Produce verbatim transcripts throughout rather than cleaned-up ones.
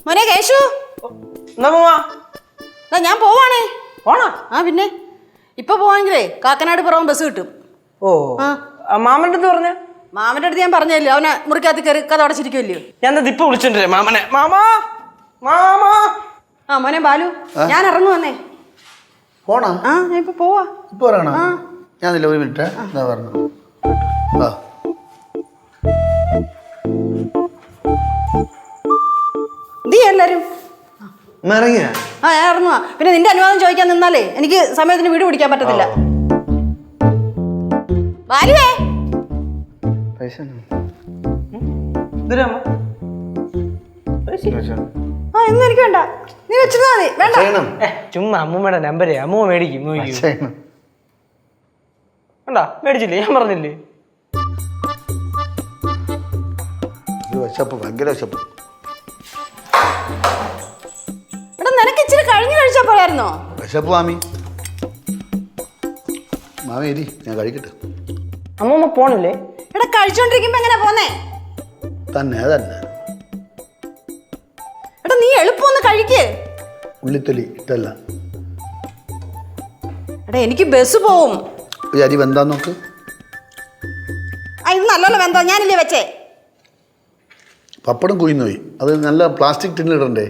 മോനെ കേശു, ഞാൻ പോവാണേ. ആ പിന്നെ ഇപ്പൊ പോവാണെങ്കിലേ കാക്കനാട് പുറവും ബസ് കിട്ടും. ഓ മാമന്റെ അടുത്ത് പറഞ്ഞ മാമന്റെ അടുത്ത് ഞാൻ പറഞ്ഞല്ലോ, അവനെ മുറിക്കകത്ത് കയറി കഥ അടച്ചിരിക്കുമല്ലോ. ഞാൻ ഇപ്പൊ വിളിച്ചിട്ടേ മാമനെ. മാമാ മാമാ. ആ മോനെ ബാലു, ഞാൻ ഇറങ്ങുവന്നേ. പോണോ? ആ ഞാൻ ഇപ്പൊ പോവാ. ഇപ്പൊ ഇറങ്ങണോ? ഞാനില്ല, ഒരു മിനിറ്റ് പറഞ്ഞു. ആ നീ എല്ലാരും ഇറങ്ങിയ? ആ ഞാൻ ഇറങ്ങുവാ. പിന്നെ നിന്റെ അനുവാദം ചോദിക്കാൻ നിന്നാലേ എനിക്ക് സമയത്തിന് വീട് പിടിക്കാൻ പറ്റത്തില്ല. ബാലുവേ പൈസ ആ ഇന്ന് എനിക്ക് വേണ്ട, നീ വെച്ചിരുന്നാ മതി. വേണ്ട ചുമ്മാ അമ്മൂമ്മയുടെ നമ്പരേ അമ്മൂമ്മ മേടിക്കും. വേണ്ട മേടിച്ചില്ലേ? ഞാൻ പറഞ്ഞില്ലേ വിശപ്പ്, ഭയങ്കര വിശപ്പ്. എടാ നിനക്ക് ഇച്ചിരി കഴിഞ്ഞു കഴിച്ചാ പോയായിരുന്നോ? വിശപ്പ് മാമി. മാമി എരി, ഞാൻ കഴിക്കട്ടെ. അമ്മൂമ്മ പോണില്ലേ? എടാ കഴിച്ചോണ്ടിരിക്കുമ്പോ എങ്ങനെ പോന്നേ? തന്നെ തന്നെ. എടാ നീ എളുപ്പം ഒന്ന് കഴിക്ക്. ഉള്ളിത്തൊലി ഇട്ടല്ല. എടാ എനിക്ക് ബസ് പോവും. ഈ അരി വെന്താ നോക്ക്. ആ ഇത് നല്ലോണം വെന്തോ? ഞാനില്ലേ വെച്ചേ. പപ്പടം കുയിന്നു പോയി. അത് നല്ല പ്ലാസ്റ്റിക് ടിന്നിടണ്ടേ.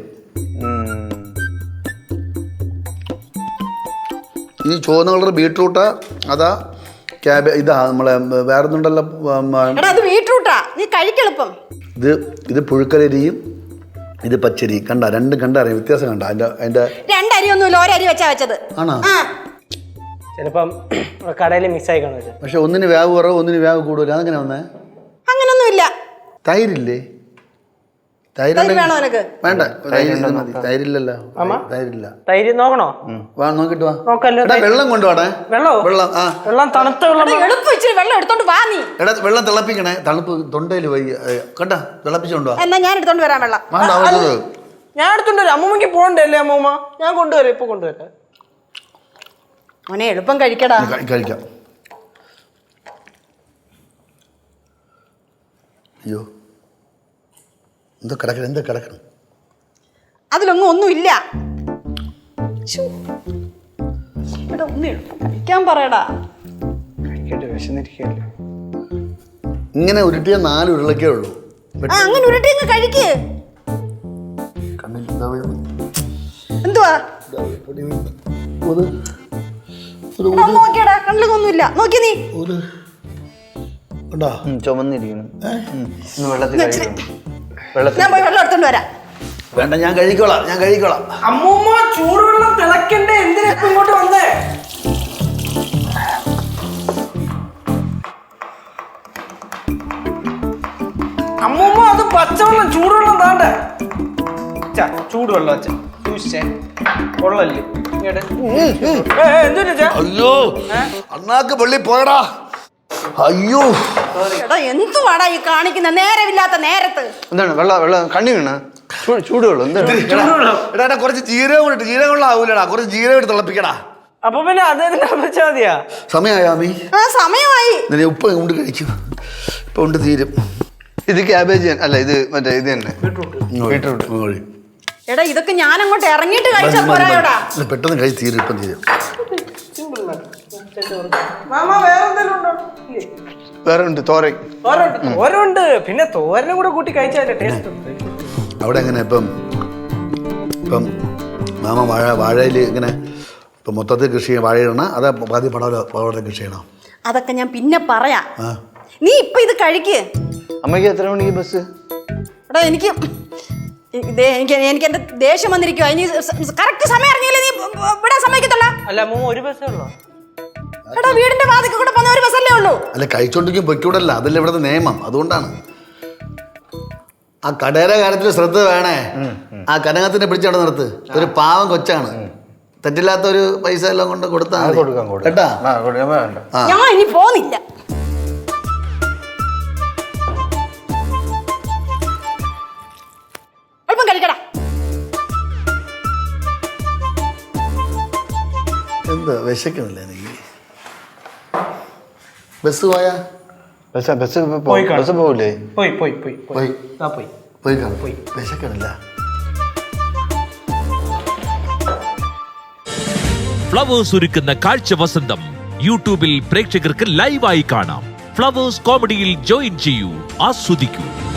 ഈ ചുവന്ന കളർ ബീട്രൂട്ടാ അതാ ക്യാബേ? ഇതാ നമ്മളെ വേറൊന്നുണ്ടല്ലോ. എടാ അത് ബീട്രൂട്ടാ, നീ കഴിക്കെളുപ്പം. ഇത് ഇത് പുഴുക്കലരിയും ഇത് പച്ചരി. കണ്ട രണ്ടും കണ്ട അറിയാം വ്യത്യാസം. കണ്ട അതിന്റെ അതിന്റെ രണ്ടരി ഒന്നുമില്ല, ഒരരി വെച്ചാ വെച്ചത്. ആണോ? ചിലപ്പം കടയിൽ മിസ് ആയി കാണും. പക്ഷെ ഒന്നിന് വേവ് കുറവ്, ഒന്നിന് വേവ് കൂടുതൽ. അതെങ്ങനെ വന്നേ? അങ്ങനൊന്നുമില്ല. തൈരില്ലേ? തൈര് വേണോ നിനക്ക്? വേണ്ട, തൈരില്ലല്ലോ. തൈരില്ല. തൈര് നോക്കണോ? വാ നോക്കിട്ട് വാ. നോക്കല്ലോ. വെള്ളം കൊണ്ടുപോടെ. വെള്ളം വെള്ളം ആ വെള്ളം തണുത്ത വെള്ളം. എളുപ്പം ഇച്ചിരി വെള്ളം എടുത്തോണ്ട് വാ നീ. എടാ വെള്ളം തിളപ്പിക്കണേ, തണുപ്പ് തൊണ്ടയിൽ പോയി. കണ്ട തിളപ്പിച്ചോണ്ട് വാ. എന്നാ ഞാൻ എടുത്തോണ്ട് വരാം വെള്ളം. ഞാൻ എടുത്തോണ്ട് വരാം. അമ്മൂമ്മക്ക് പോകണ്ടേ അല്ലേ അമ്മൂമ്മ? ഞാൻ കൊണ്ടുവരാം, ഇപ്പൊ കൊണ്ടുവരാം. മോനെ എളുപ്പം കഴിക്കടാ. കഴിക്കാം. അയ്യോ എന്താ കിടക്കണം, എന്താ കിടക്കണം? അതിലൊന്നും ഒന്നുമില്ല. എടാ ഒന്ന് എളുപ്പം കഴിക്കാൻ പറയടാ. വിശന്നിരിക്കല്ലേ. ഇങ്ങനെ ഉരുട്ടിയ നാല് ഉരുളക്കേ ഉള്ളൂ. ആ അങ്ങനെ ഉരുട്ടി അങ്ങ് കഴിക്ക്. എന്തുവാ നോക്കിയടാ? കണ്ണിലൊന്നുമില്ല. നോക്കി നീ. ചുമന്നിരിക്കണം. ഞാൻ പോയി വെള്ളം എടുത്തോണ്ട് വരാം. വേണ്ട, ഞാൻ കഴിക്കോളാം, ഞാൻ കഴിക്കോളാം. അമ്മൂമ്മ ചൂടുവെള്ളം തിളക്കണ്ടേ? എന്തിനാ ഇങ്ങോട്ട് വന്നേ? അമ്മൂമ്മ അത് പച്ചവെള്ളം, ചൂടുവെള്ളം താണ്ടേ? ചൂടുവെള്ളം കൊള്ളല്ലേ? അയ്യോ അണ്ണാക്ക് പള്ളി പോയടാ. അയ്യോ എടാ എന്തുവാടാ ഈ കാണിക്കുന്ന നേരമില്ലാത്ത നേരത്ത്? എന്താണ് വെള്ളം വെള്ളം കണ്ണി വീണ? ചൂടുവെള്ളം എടാ കുറച്ച് ജീരകം ഇട്ട്. ജീരകം വെള്ളം ആവൂലടാ, കുറച്ച് ജീരകം ഇട്ട് തിളപ്പിക്കടാ. അപ്പൊ പിന്നെ അദ്ദേഹത്തിന് വെച്ചാ മതിയാ. സമയമായാമി? ആ സമയമായി. ഉപ്പ് കൊണ്ട് കഴിക്കും, ഇപ്പൊ കൊണ്ട് തീരും. ഇത് ക്യാബേജ് അല്ല, ഇത് മറ്റേ ഇത് തന്നെ ബീട്രൂട്ട്. എടാ ഇതൊക്കെ ഞാൻ അങ്ങോട്ട് ഇറങ്ങിയിട്ട് കഴിച്ചാ പോരായോടാ? പെട്ടെന്ന് കഴിച്ച് തീരും, ഇപ്പം തീരും. വേറെ ഉണ്ട് തോരൻ. തോരനുണ്ട്, പിന്നെ തോരനും കൂടെ കൂട്ടി കഴിച്ചാലേ ടേസ്റ്റ്. അവിടെ എങ്ങനെ ഇപ്പം ഇപ്പം മാമ വാഴ വാഴയിൽ ഇങ്ങനെ ഇപ്പം മൊത്തത്തിൽ കൃഷി ചെയ്യണം? വാഴയിടണം അതാ പാതി പടവല പടവല കൃഷി ചെയ്യണം? അതൊക്കെ ഞാൻ പിന്നെ പറയാം. നീ ഇപ്പൊ ഇത് കഴിക്ക്. അമ്മയ്ക്ക് എത്ര മണിക്ക് ബസ്? എടാ എനിക്ക് എനിക്ക് എനിക്ക് എന്റെ ദേഷ്യം വന്നിരിക്കുവാ. ഇനി കറക്റ്റ് സമയം അറിഞ്ഞില്ലേ നീ ഇവിടെ സമ്മതിക്കത്തുള്ള? അല്ല അമ്മൂമ്മ ഒരു ബസ്സേ ഉള്ളൂ. എടാ വീടിന്റെ വാതിക്ക് കൂടെ പോകുന്ന ഒരു ബസ്സല്ലേ ഉള്ളൂ? അല്ല കഴിച്ചോണ്ടിരിക്കും പൊയ്ക്കൂടല്ല, അതല്ല ഇവിടുത്തെ നിയമം, അതുകൊണ്ടാണ്. ആ കടയുടെ കാര്യത്തിൽ ശ്രദ്ധ വേണേ. ആ കനകത്തിനെ പിടിച്ചവിടെ നിർത്ത്. ഒരു പാവം കൊച്ചാണ്, തെറ്റില്ലാത്ത ഒരു പൈസ എല്ലാം കൊണ്ട് കൊടുത്താൽ കേട്ടാ. ഞാൻ ഇനി പോന്നില്ല. അല്പം കഴിക്കടാ. എന്താ വിശക്കണില്ല എനിക്ക്? ബസ് പോയാ? ബസ് ബസ് ബസ് പോവില്ലേ? പോയി പോയി പോയി പോയി പോയി പോയി പോയി കാണും. വിശക്കണില്ല. ഫ്ലവേഴ്സ് ഒരുക്കുന്ന കാഴ്ച വസന്തം യൂട്യൂബിൽ പ്രേക്ഷകർക്ക് ലൈവായി കാണാം. ഫ്ലവേഴ്സ് കോമഡിയിൽ ജോയിൻ ചെയ്യൂ, ആസ്വദിക്കൂ.